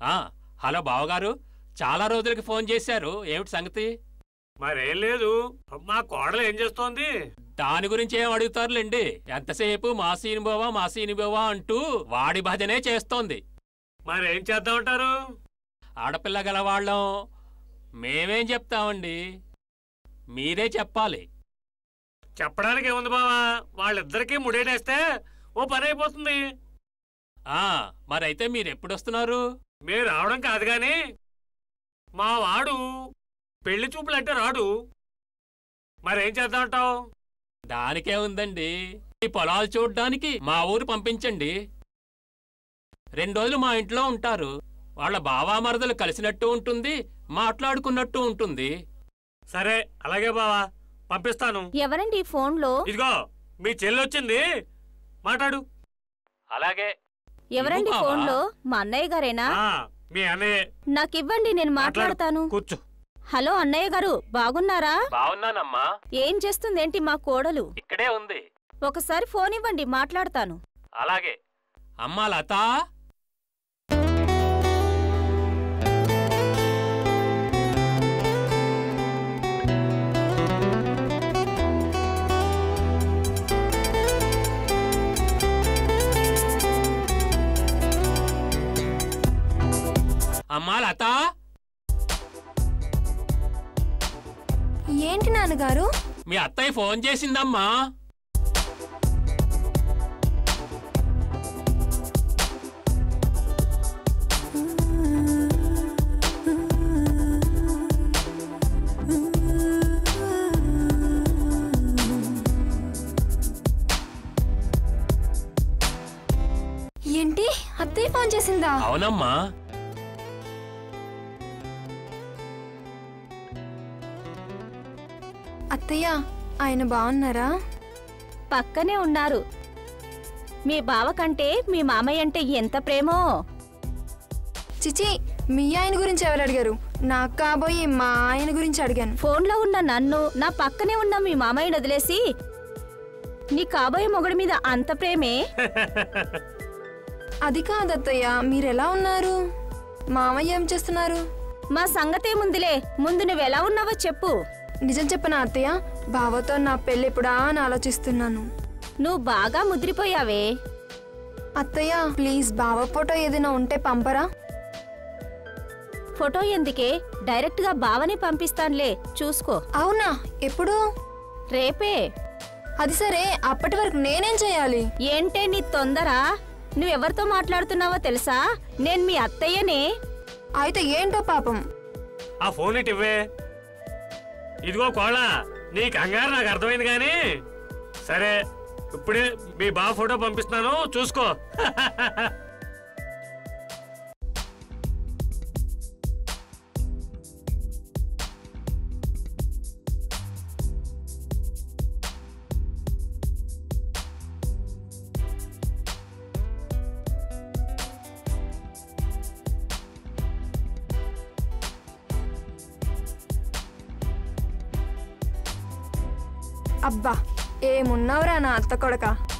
ఆ హలో బావగారు, చాలా రోజులకి ఫోన్ చేశారు, ఏమిటి సంగతి? మరేం లేదు, మా కోడలు ఏం చేస్తోంది? దాని గురించి ఏం అడుగుతారులేండి, ఎంతసేపు మా సీనిబావా అంటూ వాడి భజనే చేస్తోంది. మరేం చేద్దామంటారు? ఆడపిల్ల గలవాళ్ళం మేమేం చెప్తామండి, మీరే చెప్పాలి. చెప్పడానికి ఏముంది బావా, వాళ్ళిద్దరికీ ముడేటేస్తే ఓ పని అయిపోతుంది. మరైతే మీరెప్పుడొస్తున్నారు? మీరు రావడం కాదు గాని మా వాడు పెళ్లి చూపులంటే రాడు. మరేం చేద్దామంటావు? దానికే ఉందండి, ఈ పొలాలు చూడ్డానికి మా ఊరు పంపించండి. 2 రోజులు మా ఇంట్లో ఉంటారు, వాళ్ళ బావామరదలు కలిసినట్టు ఉంటుంది, మాట్లాడుకున్నట్టు ఉంటుంది. సరే అలాగే బావా, పంపిస్తాను. ఎవరండి ఫోన్లో? ఇదిగో మీ చెల్లొచ్చింది, మాట్లాడు. అలాగే. ఎవరండి ఫోన్లో? మా అన్నయ్య గారేనా? మీ అన్నయ్య. నాకివ్వండి, నేను మాట్లాడతాను. కూర్చో. హలో అన్నయ్య గారు, బాగున్నారా? బాగున్నానమ్మా. ఏం చేస్తుందేంటి మా కోడలు? ఇక్కడే ఉంది. ఒకసారి ఫోన్ ఇవ్వండి, మాట్లాడతాను. అలాగే. అమ్మా లత, అమ్మా లత. ఏంటి నాన్నగారు? మీ అత్తయ్య ఫోన్ చేసిందమ్మా. ఏంటి, అత్తయ్య ఫోన్ చేసిందా? అవునమ్మా. అత్తయ్య, ఆయన బాగున్నారా? పక్కనే ఉన్నారు. మీ బావ కంటే మీ మామయ్య అంటే ఎంత ప్రేమో. చిచి, మీ ఆయన గురించి ఎవరు అడిగారు? నాకు కాబోయే మా ఆయన గురించి అడిగాను. ఫోన్లో ఉన్న నన్ను, నా పక్కనే ఉన్న మీ మామయ్యని వదిలేసి నీ కాబోయే మొగుడి మీద అంత ప్రేమే? అది కాదత్తయ్య, మీరెలా ఉన్నారు? మామయ్య ఏం చేస్తున్నారు? మా సంగతేముందిలే, ముందు నువ్వెలా ఉన్నావో చెప్పు. నిజం చెప్పనా అత్తయ్య, బావతో నా పెళ్ళి ఎప్పుడా అని ఆలోచిస్తున్నాను. నువ్వు బాగా ముద్రిపోయావే. అత్తయ్య ప్లీజ్, బావ ఫోటో ఏదైనా ఉంటే పంపరా? ఫోటో ఎందుకే, డైరెక్ట్ గా బావని పంపిస్తానులే, చూసుకో. అవునా, ఎప్పుడు? రేపే. అది సరే, అప్పటి వరకు నేనేం చేయాలి? ఏంటే నీ తొందర? నువ్వెవరితో మాట్లాడుతున్నావో తెలుసా? నేను మీ అత్తయ్యనే. అయితే ఏంటో పాపం. ఆ ఫోన్ ఇవ్వే. ఇదిగో కోళ్ళ, నీ కంగారు నాకు అర్థమైంది గాని సరే, ఇప్పుడే మీ బావ ఫోటో పంపిస్తున్నాను, చూసుకో. అబ్బా, ఏమున్నావురా నా అత్త కొడక.